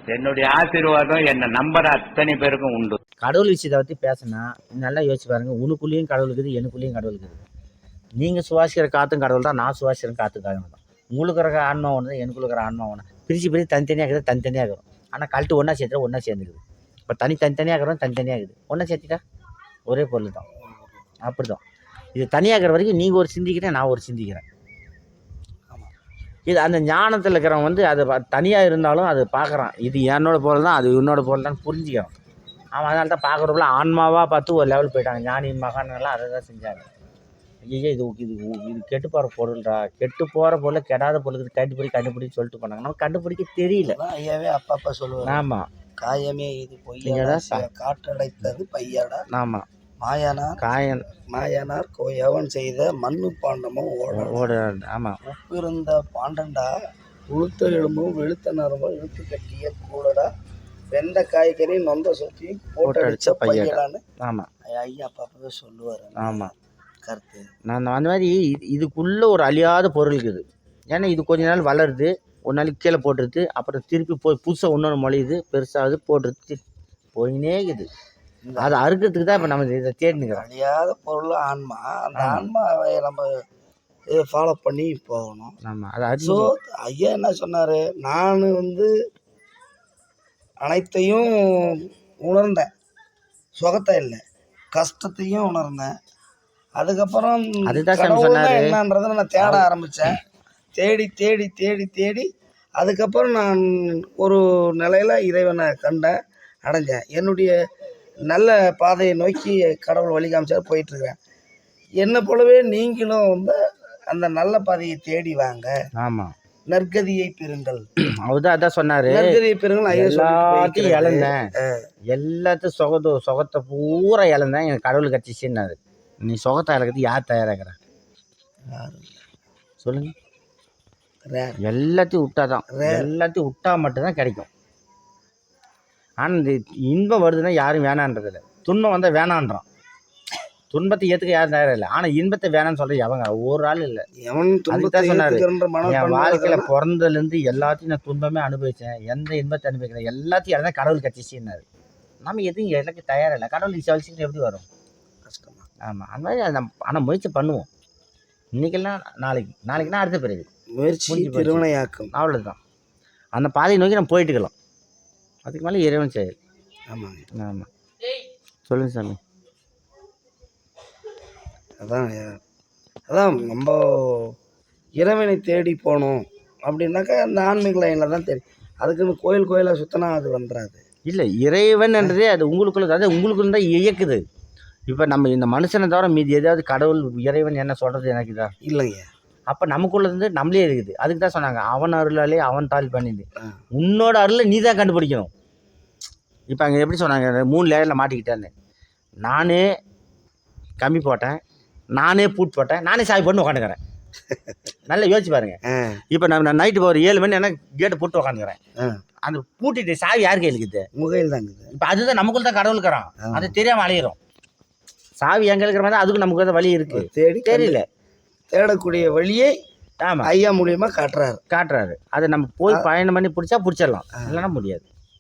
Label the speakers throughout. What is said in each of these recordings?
Speaker 1: என்னுடைய ஆசீர்வாதம் என்ன நம்பர் அத்தனை பேருக்கும் உண்டு.
Speaker 2: கடவுள் விஷயத்தை பற்றி பேசினா நல்லா யோசிச்சு பாருங்க. உனக்குள்ளேயும் கடவுள் இருக்குது, எனக்குள்ளேயும் கடவுள் இருக்குது. நீங்கள் சுவாசிக்கிற காற்றும் கடவுள் தான், நான் சுவாசிக்கிற காற்று கடவுள் தான். உங்களுக்கு இருக்கிற ஆன்மா ஒன்று தான், எனக்குள்ள இருக்கிற ஆன்மா ஒன்று. பிரித்து தனித்தனியாக இருக்குது, தனித்தனியாக இருக்கும். ஆனால் கழட்டு ஒன்றா சேர்த்துட்டா ஒன்றா சேர்ந்துக்குது. இப்போ தனித்தனியாக இருக்கிறோம், தனித்தனியாக இருக்குது. ஒன்றா சேர்த்துட்டா ஒரே பொருள் தான். அப்படி தான் இது தனியாக இருக்கிற வரைக்கும் நீங்கள் ஒரு சிந்திக்கிறேன், நான் ஒரு சிந்திக்கிறேன். இது அந்த ஞானத்தில் இருக்கிறவன் அது தனியாக இருந்தாலும் அது பார்க்குறான். இது என்னோட பொருள் தான், அது என்னோட பொருள் தான் புரிஞ்சுக்கிறான். அவன் அதனால தான் பார்க்குறப்பல ஆன்மாவாக பார்த்து ஒரு லெவல் போயிட்டாங்க. ஞானி மகான்கள்லாம் அதை தான் செஞ்சாங்க. ஐயோ இது இது இது கெட்டு போகிற பொருள்டா, கெட்டு போகிற பொருள் கெடாத பொருளுக்கு கண்டுபிடின்னு சொல்லிட்டு போனாங்க. நம்ம கண்டுபிடிக்க தெரியல.
Speaker 3: ஐயாவே அப்பா சொல்லுவாங்க.
Speaker 2: ஆமாம்,
Speaker 3: காயமே இது பொய்யடா, காற்றடைத்தது பையடா.
Speaker 2: ஆமாம்,
Speaker 3: மாயனார் எவன் செய்த மண்ணு பாண்டமும்
Speaker 2: ஓட. ஆமாம்,
Speaker 3: உப்பு இருந்த பாண்டண்டா, உளுத்த எலும்பும் வெளுத்த நரம்பும் இழுத்து கட்டிய கூடடா, வெந்த காய்கறி நொந்த சுற்றி போட்டு அடிச்ச பையடான்னு.
Speaker 2: ஆமாம்,
Speaker 3: ஐயா அப்பப்பவே சொல்லுவார்.
Speaker 2: ஆமாம்,
Speaker 3: கருத்து
Speaker 2: நான் அந்த மாதிரி இதுக்குள்ளே ஒரு அழியாத பொருள் இருக்குது. ஏன்னா இது கொஞ்ச நாள் வளருது, ஒரு நாளைக்கு கீழே போட்டுருது, அப்புறம் திருப்பி போய் புதுசாக இன்னொன்று மொழியுது, பெருசாகுது, போட்டுருது, போயினே இருக்குது. அதை அறுக்கிறதுக்கு தான் இப்போ நம்ம இதை தேடினுக்கிறோம்.
Speaker 3: அழியாத பொருள் ஆன்மா. அந்த ஆன்மாவை நம்ம ஃபாலோ பண்ணி போகணும்.
Speaker 2: ஆமாம், அது
Speaker 3: ஸோ ஐயா என்ன சொன்னார், நான் அனைத்தையும் உணர்ந்தேன், சுகத்தை இல்லை கஷ்டத்தையும் உணர்ந்தேன். அதுக்கப்புறம் என்னன்றதை நான் தேட ஆரம்பித்தேன். தேடி தேடி தேடி தேடி அதுக்கப்புறம் நான் ஒரு நிலையில் இறைவனை கண்டேன், அடைஞ்சேன். என்னுடைய நல்ல பாதையை நோக்கி கடவுள் வழி காமிச்சார், போயிட்டுருக்கிறேன். என்னை போலவே நீங்களும் அந்த நல்ல பாதையை தேடி வாங்க.
Speaker 2: ஆமாம்,
Speaker 3: நற்கதியை பெறுங்கள்.
Speaker 2: அவர்தான் அதான் சொன்னார்,
Speaker 3: நற்கதியை பெறுங்கள்.
Speaker 2: எல்லாத்தையும் இழந்தேன், எல்லாத்தையும் சுகத்தை பூரா இழந்தேன், எனக்கு கடவுள் கட்சிச்சுன்னாரு. நீ சுகத்தை இழக்கிறது யார் தயாராகிற சொல்லுங்க? எல்லாத்தையும் விட்டாதான், எல்லாத்தையும் விட்டா மட்டும்தான் கிடைக்கும். ஆனால் இந்த இன்பம் வருதுன்னா யாரும் வேணான்றதில்லை, துன்பம் வந்தால் வேணான்றான். துன்பத்தை ஏற்றுக்க யாரும் தயாராக இல்லை, ஆனால் இன்பத்தை வேணான்னு சொல்கிற எவங்க ஒரு ஆள் இல்லை. அதுதான் சொன்னார், என் வாழ்க்கையில் பிறந்ததுலேருந்து எல்லாத்தையும் நான் துன்பமே அனுபவித்தேன், எந்த இன்பத்தை அனுபவிக்கிறேன், எல்லாத்தையும் இழந்தா கடவுள் கட்சிச்சுன்னாரு. நம்ம எதுவும் எனக்கு தயாராக இல்லை, கடவுள் சீக்கிரம் எப்படி வரும்? கஷ்டமா. ஆமாம், அந்த மாதிரி நம்ம ஆனால் முயற்சி பண்ணுவோம். இன்றைக்கெல்லாம் நாளைக்குன்னா அடுத்த பிறகு
Speaker 3: முயற்சி திருவினையாக்கும்.
Speaker 2: அவ்வளோதான். அந்த பாதையை நோக்கி நம்ம போயிட்டுக்கலாம். அதுக்கு மேலே இறைவன் செயல்.
Speaker 3: ஆமாங்க.
Speaker 2: ஆமாம், சொல்லுங்கள் சாமி.
Speaker 3: அதான் நம்ம இறைவனை தேடி போகணும் அப்படின்னாக்கா அந்த ஆன்மீக லைனில் தான் தேடி. அதுக்குன்னு கோயிலாக சுற்றினா அது வந்துடாது.
Speaker 2: இல்லை, இறைவன்ன்றதே அது உங்களுக்குள்ள, அதாவது உங்களுக்குள்ள தான் இயக்குது. இப்போ நம்ம இந்த மனுஷனை தவிர மீதி எதாவது கடவுள் இறைவன் என்ன சொல்கிறது எனக்கு இதா
Speaker 3: இல்லைங்க.
Speaker 2: அப்போ நமக்குள்ளேருந்து நம்மளே இருக்குது. அதுக்கு தான் சொன்னாங்க, அவன் அருளாலே அவன் தாள் பண்ணிது, உன்னோட அருளை நீ தான் கண்டுபிடிக்கணும். இப்போ அங்கே எப்படி சொன்னாங்க, 3 லேயரில் மாட்டிக்கிட்டேன்னு. நானே கம்மி போட்டேன், நானே பூட் போட்டேன், நானே சாவி பண்ணி உட்காந்துக்கிறேன். நல்லா யோசிச்சு பாருங்க. இப்போ நான் நைட்டு ஒரு 7 மணி எனக்கு கேட்டை போட்டு உட்காந்துக்கிறேன். அந்த பூட்டிட்டு சாவி யார் கையில் இருக்குது?
Speaker 3: முகையில் தாங்க.
Speaker 2: இப்போ அதுதான் நமக்குள்ள தான் கடவுள் இருக்கிறான், அது தெரியாமல் அலையிறோம். சாவி எங்கே இருக்கிற மாதிரி அதுக்கு நமக்கு தான் வழி இருக்குது, தெரியல.
Speaker 3: தேடக்கூடிய வழியை
Speaker 2: ஆமாம்
Speaker 3: ஐயா மூலியமாக காட்டுறாரு.
Speaker 2: அதை நம்ம போய் பயணம் பண்ணி பிடிச்சிடலாம், இல்லைன்னா முடியாது.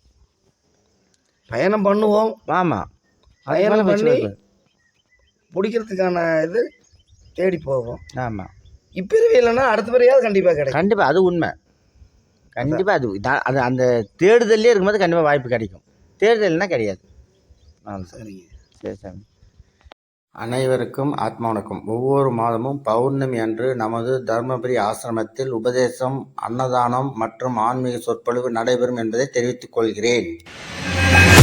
Speaker 3: பயணம் பண்ணுவோம்.
Speaker 2: ஆமாம்,
Speaker 3: பயணம் பண்ணி பிடிக்கிறதுக்கான இது தேடி போவோம்.
Speaker 2: ஆமாம்,
Speaker 3: இப்பிறவி இல்லைன்னா அடுத்த பிறவியாவது கண்டிப்பாக கிடைக்கும்.
Speaker 2: கண்டிப்பாக அது உண்மை. கண்டிப்பாக அது அந்த தேடுதல்லே இருக்கும்போது கண்டிப்பாக வாய்ப்பு கிடைக்கும், தேடுதல்னா கிடையாது.
Speaker 3: சரிங்க.
Speaker 2: சரி சாமி. அனைவருக்கும் ஆத்மா வணக்கம். ஒவ்வொரு மாதமும் பௌர்ணமி அன்று நமது தர்மபுரி ஆசிரமத்தில் உபதேசம், அன்னதானம் மற்றும் ஆன்மீக சொற்பொழிவு நடைபெறும் என்பதை தெரிவித்துக் கொள்கிறேன்.